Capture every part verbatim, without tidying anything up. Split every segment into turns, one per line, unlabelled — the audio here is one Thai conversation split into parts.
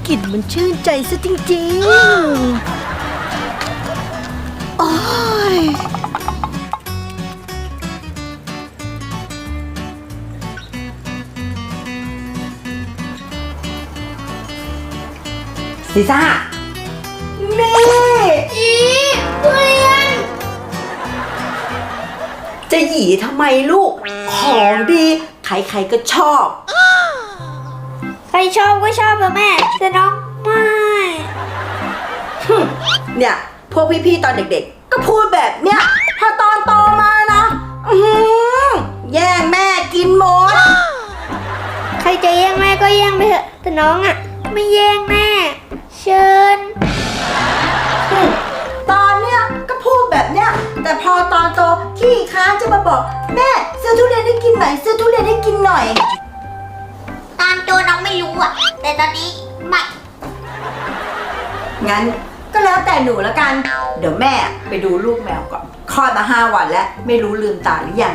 กลิ่นมันชื่นใจซะจริงๆโอ้ย
ลิซ่านี่อีทุเรียนจะหยีทำไมลูกของดีใครๆก็ชอบ
ใครชอบก็ชอบนะแม่แต่น้องไม่
เนี่ยพวกพี่ๆตอนเด็กๆก็พูดแบบเนี้ยพอตอนโตมานะอื้อหือแย่งแม่กินหมด
ใครจะแย่งแม่ก็แย่งไปเถอะแต่น้องอ่ะไม่แย่งแม่เชิญ
ตอนเนี้ยก็พูดแบบเนี้ยแต่พอตอนโตขี้ค้านจะมาบอกแม่ซื้อทุเรียนให้กินหน่อยซื้อทุเรียนให้กินหน่อย
ตอนโตน้องไม่รู้อ่ะแต่ตอนนี้ไม่
งั้นก็แล้วแต่หนูละกันเดี๋ยวแม่ไปดูลูกแมวก่อนคลอดมาห้าวันแล้วไม่รู้ลืมตาหรือยัง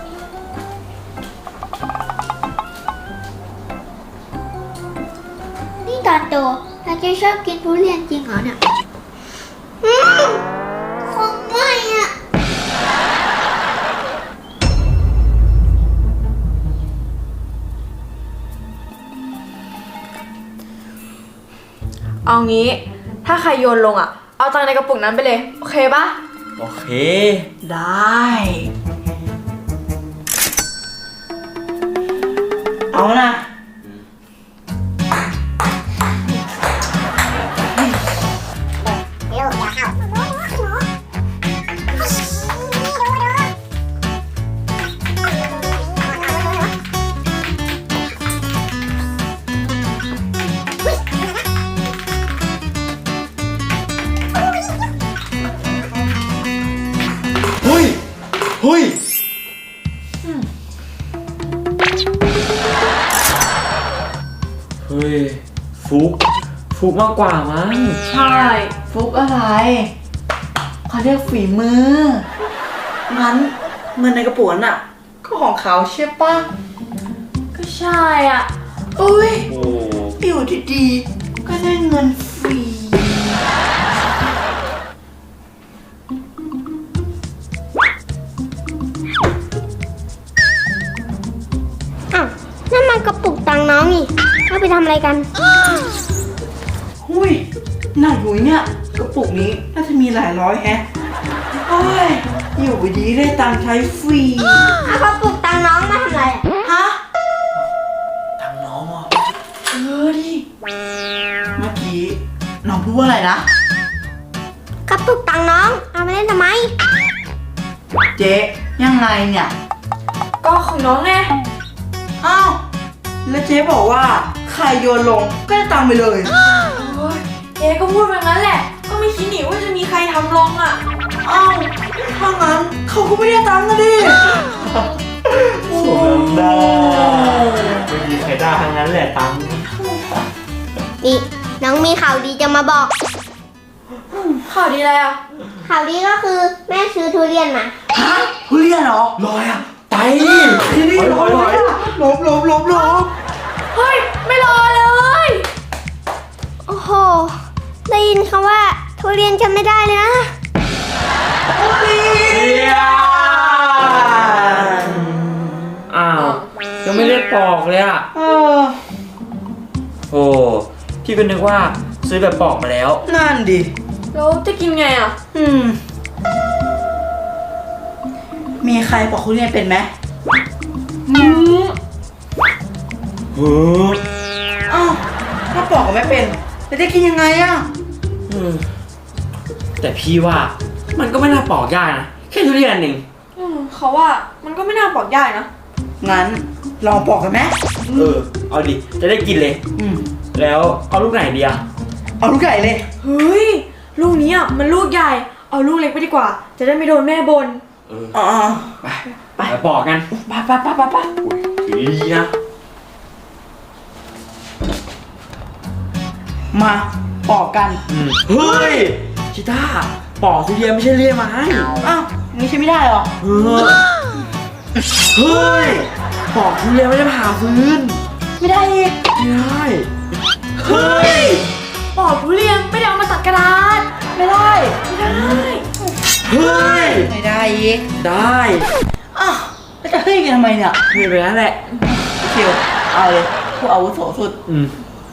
นี่ตอนโตเราจะชอบกินทุเรียนจริงเหรอเนี่ยคงไม่อ่ะ
เอางี้ถ้าใครโยนลงอ่ะเอาตังค์ในกระปุกนั้นไปเลยโอเคปะ
โอเค
ได้เอานะ
เฮ้ยเฮ้ยเฮ้ยฟุกฟุกมากกว่ามั้ง
ใช่ฟุกอะไรเขาเรียกฝีมือ
งั้นเงินในกระปุกน่ะก็ของเขาใช่ปะ
ก็ใช่อ่ะ
อุ้ย
โอ้
อยู่ดีๆก็ได้เงินฟรี
อ้าวนั่นมันกระปุกตังค์น้องนี่เอาไปทำอะไรกัน
หุ้ยหนักหุยเนี่ยกระปุกนี้น่าจะมีหลายร้อยแฮะโอ้ยอยู่ดีได้ตังค์ใช้ฟรี
เอากระปุกตังค์น้องมาทำอะไรอะ
ฮะ
ตังน้องอ่ะ
เออดิเมื่อกี้น้องพูดว่าอะไรนะ
กระปุกตังค์น้องเอามาเล่นทำไม
เจ๊ยังไงเนี่ย
ก็ของน้องไง
อ้าวแล้วเจ๊บอกว่าใครโยนลงก็ได้ตังค์ไปเลย
โอ้ยเจ๊ก็พูดแบบนั้นแหละก็ไม่คิดหนิว่าจะมีใครทำลงอ่ะ
อ้าวถ้างั้นเขาก็ไม่ได้ตังค์นะดิ
สมน้ำหน้าไม่มีใครได้ทั้งนั้นแหละตังค์
นี่น้องมีข่าวดีจะมาบอก
ข่าวดีอะไรอ่ะ
ข่าวดีก็คือแม่ซื้อทุเรียนมา
ฮะทุเรียนเหรอ
ลอยอ่ะไป
ที่นี่
ลอยลอย
ลบลบลบลบ
เฮ้ยไม่รอเลย
โอ้โหได้ยินคำว่าทุเรียนจำไม่ได้เลยนะ
เดียอ้าวยังไม่ได้ปอกเลยอ่ะ
เออ
โอ้พี่ก็นึกว่าซื้อแบบปอกมาแล้ว
นั่นดิ
แล้วจะกินไงอ่ะ
อืม มีใครปอกทุเรียนเป็นไหม
อืม
เฮ้ย
อ้าวถ้าปอกก็ไม่เป็นแล้วจะกินยังไงอะ
อืมแต่พี่ว่ามันก็ไม่น่าปอกยากนะแค่ทุเรียนเอง
อืมเขาว่ามันก็ไม่น่าบอกยากนะ
งั้นลองปอกกันไหม
เออเอาดิจะได้กินเลย
อืม
แล้วเอาลูกไหนดีอะ
เอาลูกใหญ่เลย
เฮ้ยลูกนี้อ่ะมันลูกใหญ่เอาลูกเล็กไปดีกว่า จะได้ไม่โดนแม่บน
เออ
อ๋อ
ไปไปปอกกัน
ไปไปไปไปไป
อุ้ยถือดีๆนะ
มาปอกกัน
อืมเฮ้ยชิต้าปอกทุเรียนไม่ใช่เรียกมาให้
อ้าวนี่ใช่ไม่ได้เหรอ
เออเฮ้ยปอกทุเรียนไม่ได้ผ่าฟื้น
ไม่ได้อีก
ไม่ได้เฮ้ย
ปอกทุเรียนไม่ได้เอามาตัดกระดาษ
ไม่ได้
ไม่ได้
เฮ้ย
ไม่ได้อีก
ได้
อ้าวแล้วจะเฮ้ยกันทำไมเนี่ย
เฮ้ยไปนั่นแหละ
ชิวเอาเลยผู้อาวุโสสุด
อืม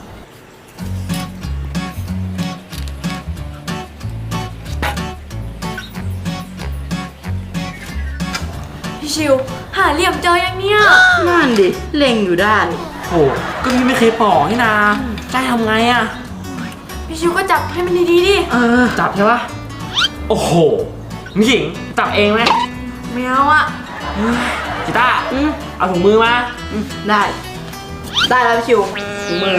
พี่ชิว หาเหลี่ยมเจอยังเนี่ย
นั่นดิเล็งอยู่ได้
โหก็พี่ไม่เคยปอกนี่นาได้ทำไงอะ
พี่ชิวก็จับให้มันดีๆดิ
เออ
จับใช่ปะโอ้โหมิหญิงจับเองไหม
ไม่เอาอะ
กีตาร์เอาถุงมือมา
อืมได้ ได้แล้วพี่ชิว
ถุงมือ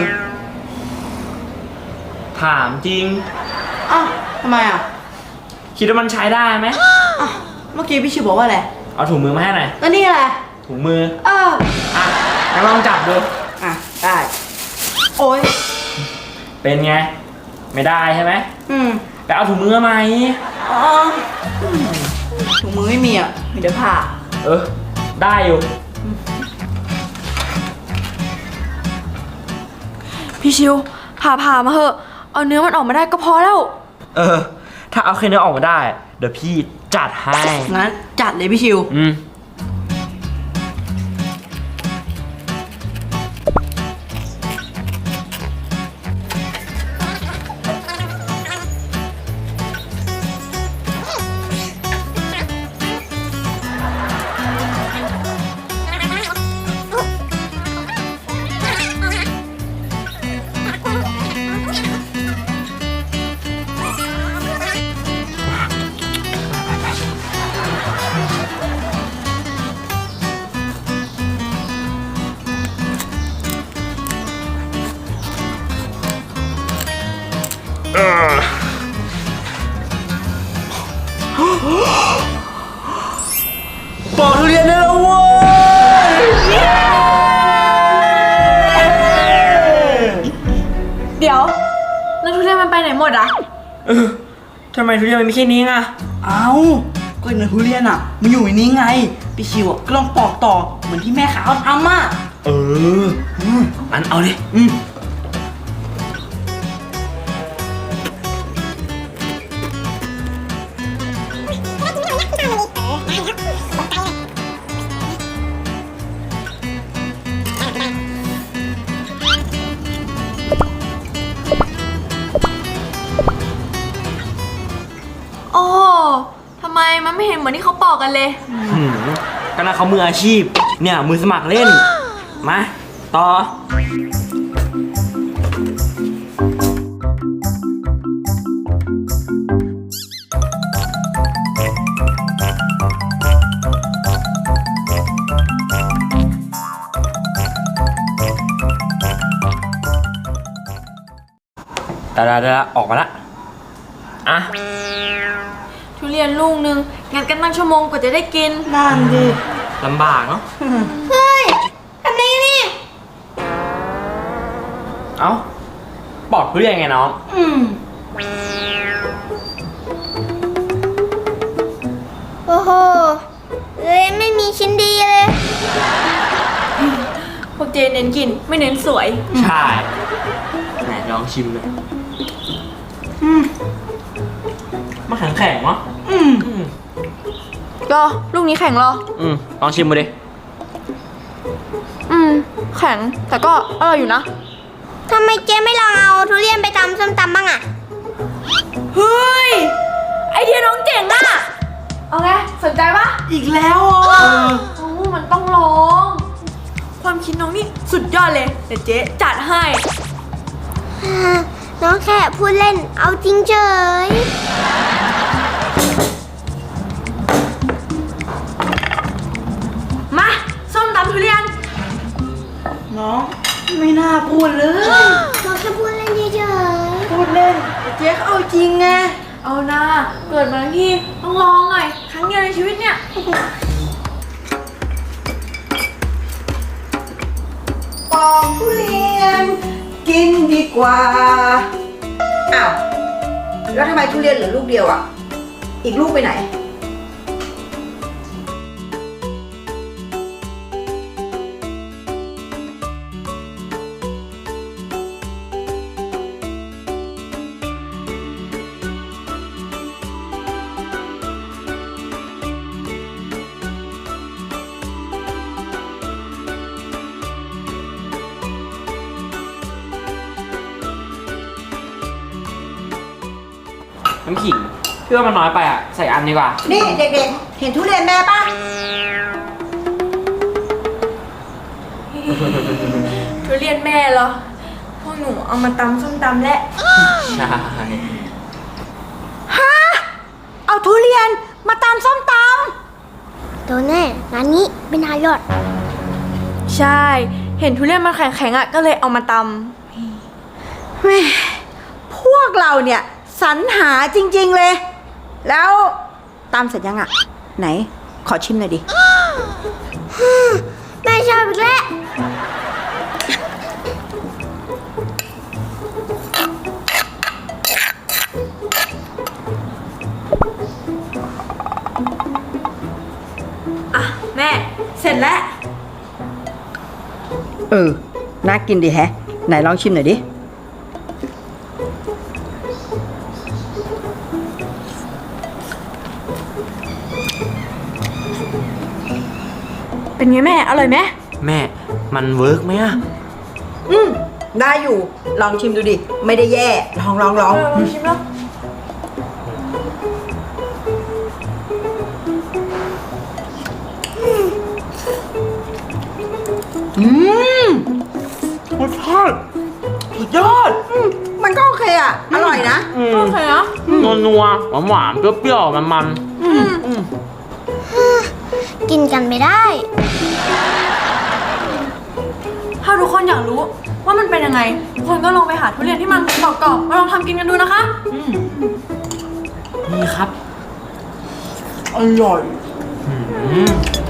ถามจริง
อ้าวทำไมอ่ะ
คิดว่ามันใช้ได้ไหม
อ้าวเมื่อกี้พี่ชิวบอกว่าอะไร
เอาถุงมือมาให้หน่อย
แล้วนี่อะไร
ถุงมือ
เออ
อ่ะงั้นลองจับดู
อ่ะได้โอ้ย
เป็นไง ไม่ได้ใช่ไหม
อืม
ไปเอาถุงมือมาไหม
อ๋ออืมถุงมือไม่มีอ่ะมีแต่ผ้า
เออ ได้อยู่
พี่ชิวผ่าผ่ามาเหอะ เอาเนื้อมันออกมาได้ก็พอแล้ว
เออ ถ้าเอาแค่เนื้อออกมาได้ เดี๋ยวพี่จัดให้
งั้นจัดเลยพี่ชิว
อืม ปอกทุเรียนได้แล้วเว้ย
เดี๋ยว แล้วทุเรียนมันไปไหนหมดอะ
เออทำไมทุเรียนมันมีแค่นี้อ่ะ
เอ้าก็เนื้อทุเรียนอ่ะ มันอยู่ในนี้ไง พี่ชิวอ่ะก็ลองปอกต่อ เหมือนที่แม่ขาวทำอ่ะ
เอออันเอาเลย
อืม
โอ้ทำไมมันไม่เห็นเหมือนที่เขาปอกกันเลย
หืมก็น่าเขามืออาชีพ เนี่ย มือสมัครเล่น มา ต่อ แต่ละแต่ละออกมาละ อ่ะ
ทุเรียนลูกนึงงั้นกันตั้งชั่วโมงกว่าจะได้กิน
นั่นดิ
ลำบากเนาะ
เฮ้ยทำไมนี่
เอ้า ปอกทุเรียนไงน้อง
อืม
โอ้โหเลยไม่มีชิ้นดีเลย
พวกเจเน้นกินไม่เน้นสวย
ใช่ ไหนลองชิมเลย
อืม
มันแข็งแข็งๆเนาะ
อืม
อืม
รอ ลูกนี้แข็งรอ
อืมลองชิมมาดิ
อืม แข็ง แต่ก็อร่อยอยู่นะ
ทำไมเจ๊ไม่ลองเอาทุเรียนไปตำส้มตำบ้างอะ
เฮ้ย ไอเดียน้องเจ๋งอะเอาไง สนใจปะ
อีกแล้วอ่ะ
โอ้มันต้องลอง ความคิดน้องนี่สุดยอดเลย เดี๋ยวเจ๊จัดให้
อ่าน้องแค่พูดเล่น เอาจริงเฉย
มา ส้มตำทุเรียน
น้อง ไม่น่าพูดเลย
น้องแค่พูดเล่นเฉย
พูดเล่นแต่เจ๊เขาเอาจริงไง
เอานะเกิดมาทั้งทีต้องลองหน่อย ครั้งเดียวในชีวิตเนี่ย
ปอกทุเรียน กินดีกว่า อ้าว แล้วทำไมทุเรียนเหลือลูกเดียวอ่ะ อีกลูกไปไหน
น้ำขิงพี่ว่ามันน้อยไปอ่ะ ใส่อันดีกว่า
นี่เด็กๆ เห็นทุเรียนแม่ปะ
ทุเรียนแม่เหรอ พวกหนูเอามาตำส้มตำและ
ใช่
ฮะ เอาทุเรียนมาตำส้มต
โดนแน่ร้านนี้ไม่น่ารอด
ใช่ เห็นทุเรียนมันแข็งๆอ่ะ ก็เลยเอามาต
ำแม่พวกเราเนี่ยสรรหาจริงๆเลย แล้วตำเสร็จยังอะไหน ขอชิมหน่อยดิ
แม่ชอบอีกแล้ว
ำอ่ะ แม่ เสร็จแล้ว
เออ น่ากินดีแฮะ ไหนลองชิมหน่อยดิ
เป็นไงแม่ อร่อยไหม
แม่มันเวิร์กไหมอ่ะ
อืม ได้อยู่ ลองชิมดูดิ ไม่ได้แย่ ลองลองลอง
เออลองชิมแล้ว
อืม
รสชาติสุดยอด
อืมมันก็โอเคอะอร่อยนะ
โอเคเหรอ
นัวนัวหวานหวานๆเปรี้ยวๆมันมัน
กินกันไม่ได้
ถ้าทุกคนอยากรู้ว่ามันเป็นยังไง ทุกคนก็ลองไปหาทุเรียนที่มันกรอบๆมาลองทำกินกันดูนะคะ
ๆนี่ครับ
อร่อย
อืม